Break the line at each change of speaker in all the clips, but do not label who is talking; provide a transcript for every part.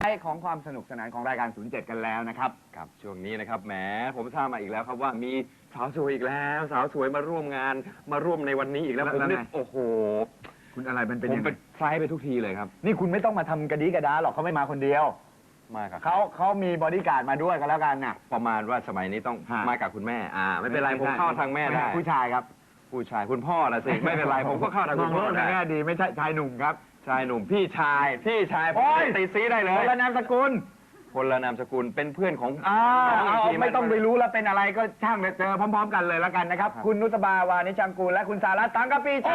ของความสนุกสนานของรายการ 07 กันแล้วนะครับ
ครับช่วงนี้นะครับแหมผมทราบมาอีกแล้วครับว่ามีสาวสวยอีกแล้ว สาวสวยมาร่วมงานมาร่วมในวันนี้อีกแล้วผมเนี่ยโอ้โห
คุณอะไรมันเป็น
ผมเป็นไฟไปทุกทีเลยครับ
นี่คุณไม่ต้องมาทำกระดีกระดาหรอกเขาไม่มาคนเดียว
มากับ
เขามีบอดี้การ์ดมาด้วยกันแล้วกันน่ะ
ประมาณว่าสมัยนี้ต้องมากับคุณแม่ไม่เป็นไรผมเข้าทางแม่ได้
ผู้ชายครับ
ผู้ชายคุณพ่อนะสิไม่เป็นไรผมก็เข้าทางคุณพ่อได้
แง่ดีไม่ใช่ชายหนุ่มครับ
ชายหนุ่มพี่ชายผมตีซีได้เลย
คนละนามสกุล
คนละนามสกุลเป็นเพื่อนของ
ไม่ต้องไปรู้แล้วเป็นอะไรก็ช่างเจอพร้อมๆกันเลยแล้วกันนะครับคุณนุตบาวานิชังกูลและคุณสารัตน์ตังกะปีชา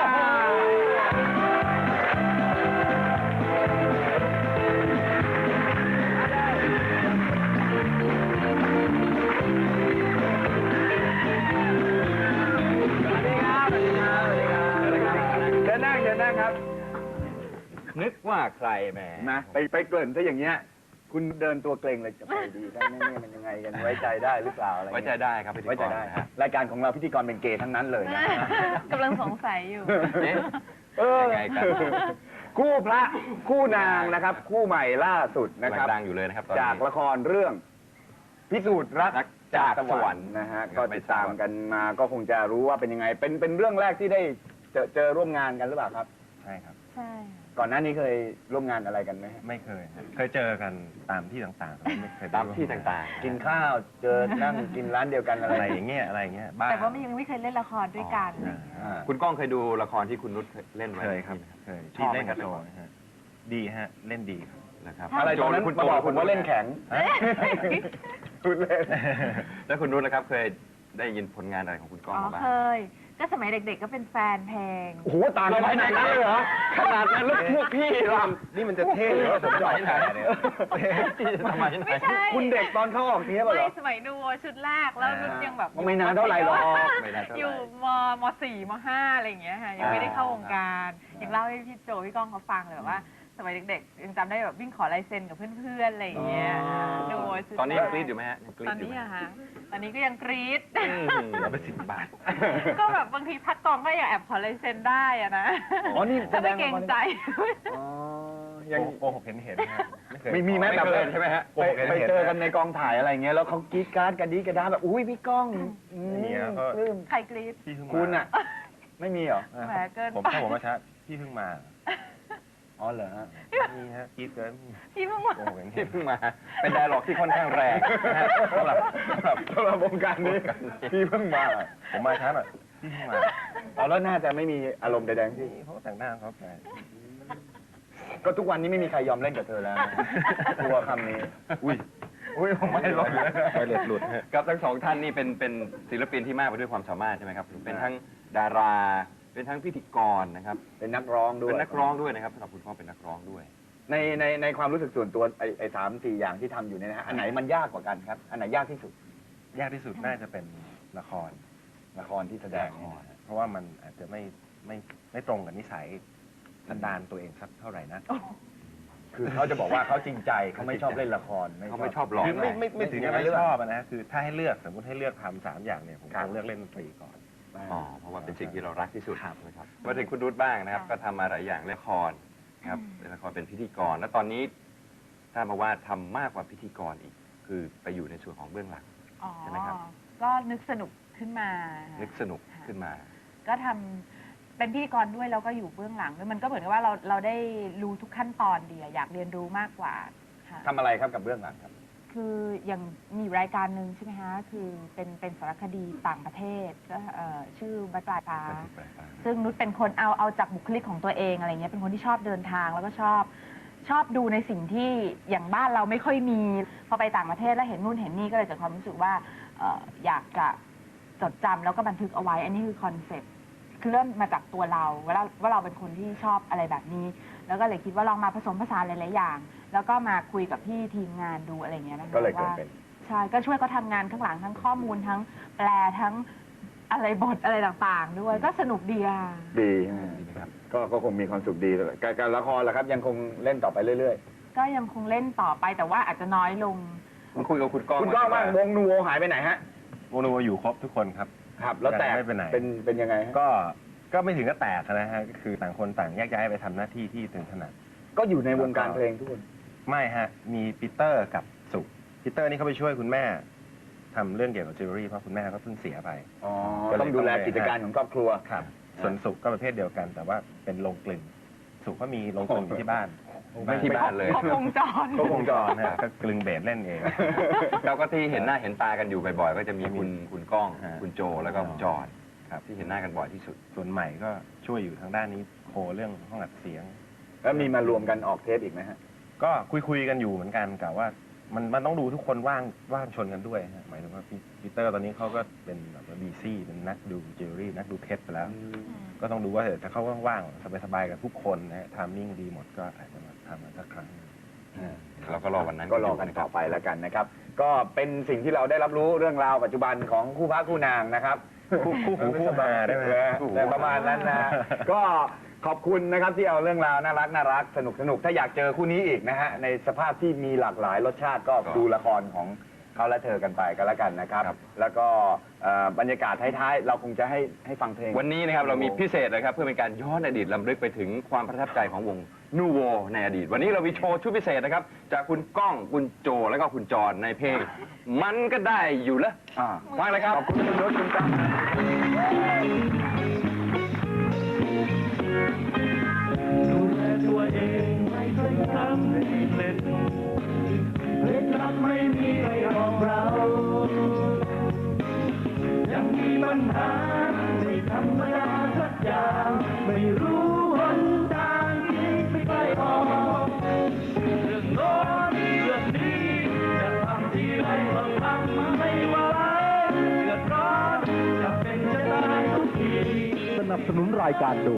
นึกว่าใครแหม
นะไปเกริ่นถ้าอย่างเงี้ยคุณเดินตัวเกรงเลยจะไปดีได้แน่ๆมันยังไงกันไว้ใจได้หรือเปล่าอะไร
ไว้ใจได้ครับ
ไว้ใจได้รายการของเราพิธีกรเป็นเกย์ทั้งนั้นเลยนะ
กำลังสงสัยอยู่
ยังไงกัน
คู่พระคู่นางนะครับคู่ใหม่ล่าสุดนะครับ
ดังอยู่เลยนะครับ
จากละครเรื่องพิสูจน์รักจากสวรรค์นะฮะก็ติดตามกันมาก็คงจะรู้ว่าเป็นยังไงเป็นเรื่องแรกที่ได้เจอร่วมงานกันหรือเปล่าครับ
ใช่ครับ
ใช่
ก่อนหน้านี้เคยร่วมงานอะไรกันไหม
ไม่เคยเคยเจอกันตามที่ต่างๆไม่เคย
ตามที่ต่าง
ๆกินข้าวเจอนั่งกินร้านเดียวกันอะไร
อย่างเงี้ย
แต่ว่ายังไม่เคยเล่นละครด้วยกัน
คุณก้องเคยดูละครที่คุณนุชเล่นไหม
เคยครับเคยที่เล่นกับโจดีฮะเล่นดี
นะครับอะไรตอนนั้นคุณบอกผมว่าเล่นแข็ง
คุณเล่นแล้วคุณนุชนะครับเคยได้ยินผลงานอะไรของคุณก้องบ้าง
เคยก็สมัยเด็กๆก็เป็นแฟนเพลง
โอ้โหต่างกันขนาดนั้นเลยเหรอ
ขนาดนั้นแล้วพวกพี่รำ
นี่มันจะเท่หรือว่าผมจะไหนเนี่ย
ทำไม
ไม่ใช่
คุณเด็กตอนเข้าออกเทปเหรอ
ไม่สมัยดูชุดแรกแล้วนุชยังแบบ
ไม่นานเท่าไหร่หรอก
อยู่ม.4 ม.5 อะไรอย่างเงี้ยค่ะยังไม่ได้เข้าวงการยังเล่าให้พี่โจพี่ก้องเขาฟังเลยว่าสมัยเด็กๆยังจำได้แบบวิ่งขอลายเซ็นกับเพื่อนๆอะไรอย่างเงี้ยดู
ตอนนี้กรี๊ดอยู่ไหมฮะ
ตอนนี้อะฮะตอนนี้ก็ยังกรี๊ด
เราไป10 บาท
ก็แบบบางทีพักกองก็ยังแอบขอลายเซ็นได้อะนะ
อ๋อนี่
จะไม่เกรงใจ
ยังโกหกเห็น
ไม่มีแม้แบบ
ใช่ไหมฮะ
ไปเจอกันในกองถ่ายอะไรเงี้ยแล้วเขากรี๊ดการ์ดกันดีกระดาแบบอุ้ยพี่ก้อง
ใครกรี๊ด
คุณอะไม่มีเหรอ
แหมเกิน
ถ้าผมมาช้าพี่เพิ่งมา
อ๋อเหรอฮะ
นี่ฮะกรี๊ดเกิน
พี่เพิ่ง
มาเป็นไดร์ล็อกที่ค่อนข้างแรง
สำหรับวงการนี้พี่เพิ่งมา
ผมมาช้าหน่อยพี่เพิ่งมา
แล้วน่าจะไม่มีอารมณ์ใดๆที่
เขาแต่งหน้าเขาแปล
ก็ทุกวันนี้ไม่มีใครยอมเล่นกับเธอแล้วกลัวคำนี้อุ้ยผมไม่หลุด
ไม่หลุด
กับทั้งสองท่านนี่เป็นศิลปินที่มากไปด้วยความสามารถใช่ไหมครับเป็นทั้งดาราเป็นทั้งพิธีกรนะครับ
เป็นนักร้องด้วย
เป็นนักร้องด้วยนะครับสำหรับคุณพ่อเป็นนักร้องด้วย
ในความรู้สึกส่วนตัวไอ้3-4 อย่างที่ทำอยู่เนี่ยนะฮะอันไหนมันยากกว่ากันครับอันไหนยากที่สุด
น่าจะเป็นละครที่แสดงเพราะว่ามันอาจจะไม่ตรงกับนิสัยสันดานตัวเองสักเท่าไหร่นะ
คือเขาจะบอกว่าเขาจริงใจเขาไม่ชอบเล่นละคร
เขาไม่ชอบหลอก
ไม่ถึงกับไม่ชอบนะคือถ้าให้เลือกสมมติให้เลือกทำ3 อย่างเนี่ยผมคงเลือกเล่นดนตรีก่อน
เพราะว่าเป็นสิ่งที่เรารักที่สุดนะครับมาถึงคุณรุธบ้างนะครับก็ทำมาหลายอย่างละครครับเป็นละครเป็นพิธีกรแล้วตอนนี้ทราบมาว่าทำมากกว่าพิธีกรอีกคือไปอยู่ในส่วนของเบื้องหลังใช่ไหมครับ
ก็นึกสนุกขึ้นมา
นึกสนุกขึ้นมา
ก็ทำเป็นพิธีกรด้วยแล้วก็อยู่เบื้องหลังด้วยมันก็เหมือนกับว่าเราได้รู้ทุกขั้นตอนดีอยากเรียนรู้มากกว่า
ทำอะไรครับกับเบื้องหลังครับ
คืออย่างมีรายการหนึ่งใช่ไหมคะคือเป็นสารคดีต่างประเทศก็ชื่อบัตรปลายฟ้าซึ่งนุชเป็นคนเอาจากบุคลิกของตัวเองอะไรเงี้ยเป็นคนที่ชอบเดินทางแล้วก็ชอบดูในสิ่งที่อย่างบ้านเราไม่ค่อยมีพอไปต่างประเทศแล้วเห็นนู่นเห็นนี่ก็เลยเกิดความรู้สึกว่าอยากจะจดจำแล้วก็บันทึกเอาไว้อันนี้คือคอนเซ็ปต์คือเริ่มมาจากตัวเราว่าเราเป็นคนที่ชอบอะไรแบบนี้แล้วก็เลยคิดว่าลองมาผสมผสานหลายๆอย่างแล้วก็มาคุยกับพี่ทีมงานดูอะไรเงี้ยนะคะ
ก็เลยเกิดเป็น
ใช่ก็ช่วยเขาทำงานข้างหลังทั้งข้อมูลทั้งแปลทั้งอะไรบทอะไรต่างๆด้วยก็สนุกดี
ดีครับก็คงมีความสุขดีการละครล่ะครับยังคงเล่นต่อไปเรื่อย
ๆก็ยังคงเล่นต่อไปแต่ว่าอาจจะน้อยลง
คุณคุยกับคุณก้อง
บ้างวงนูโวหายไปไหนฮะ
วงนูโวอยู่ครบทุกคนครับ
แล้วแต่
ไม่เป็นไหน
เป็นยังไง
ก็ไม่ถึงก็แตกนะฮะก็คือต่างคนต่างแยกย้ายไปทำหน้าที่ที่ถึงถนัด
ก็อยู่ในวงการเพลงทุกคน
ไม่ฮะ มีปีเตอร์กับสุปีเตอร์นี่เขาไปช่วยคุณแม่ทำเรื่องเกี่ยวกับจิวเวลรี่เพราะคุณแม่เขาเพิ่งเสียไป
อ๋อต้องดูแลกิจการของครอบครัว
ครับ ส่วนสุก็ประเภทเดียวกัน แต่ว่าเป็นโรงกลึงสุก็มีโรงกลึงอยู่ที่บ้าน
ไม่ที่บ้านเลย
ครบวงจร
ก็วงจรฮะก็กลึงเบสเล่นเอง
เราก็ที่เห็นหน้าเห็นตากันอยู่บ่อยๆ ก็จะมีคุณก้อง
ฮะ
คุณโจแล้วก็คุณจอนครับที่เห็นหน้ากันบ่อยที่สุด
ส่วนใหม่ก็ช่วยอยู่ทางด้านนี้โคเรื่องห้องอัดเสียง
แล้วมีมารวมกันออกเทปอีกไหมฮะ
ก็คุยกันอยู่เหมือนกันกะว่ามันต้องดูทุกคนว่างชนกันด้วยฮะหมายถึงว่าปีเตอร์ตอนนี้เขาก็เป็นแบบว่าบีซี่เป็นนักดูจิวเวลรี่นักดูเพชรไปแล้ว ก็ต้องดูว่าถ้าเขาว่างๆสบายๆกับทุกคนนะฮะทามมิ่งดีหมดก็อาจจะมาทำกันสักครั้ง
เราก็รอวันนั้น
ก็รอกันต่อไปแล้วกันนะครับ ก็เป็นสิ่งที่เราได้รับรู้เรื่องราวปัจจุบันของคู่พระคู่นางนะครับ
คู่หูคู่หาได้ไหม
แต่ประมาณนั้นนะ ก็ขอบคุณนะครับที่เอาเรื่องราวน่ารักสนุกถ้าอยากเจอคู่นี้อีกนะฮะในสภาพที่มีหลากหลายรสชาติก็ดูละครของเขาและเธอกันไปก็แล้วกันนะครับ แล้วก็บรรยากาศท้ายๆเราคงจะให้ฟังเพลง
วันนี้นะครับเรามีพิเศษนะครับเพื่อเป็นการย้อนอดีตลำลึกไปถึงความประทับใจของวงนูโวในอดีต วันนี้เรามีโชว์ชุดพิเศษนะครับจากคุณก้องคุณโจแล้วก็คุณจรในเพลง มันก็ได้อยู่แล้วฟังเลยครับ
ขอบคุณคุณรถคุณจ้า
ดูแลตัวเองไม่เคยทำให้เสร็จเคล็ดลับไม่มีใครบอกเรา ยังมีปัญหาไม่ธรรมดาสักอย่าง ไม่รู้หนทางที่ไม่ไปออกเรื่องโน้นเรื่องนี้จะทำที่ไรก็ทำไม่ไหวเดือดร้อนจะเป็นจะตายทุกที
สนับสนุนรายการโดย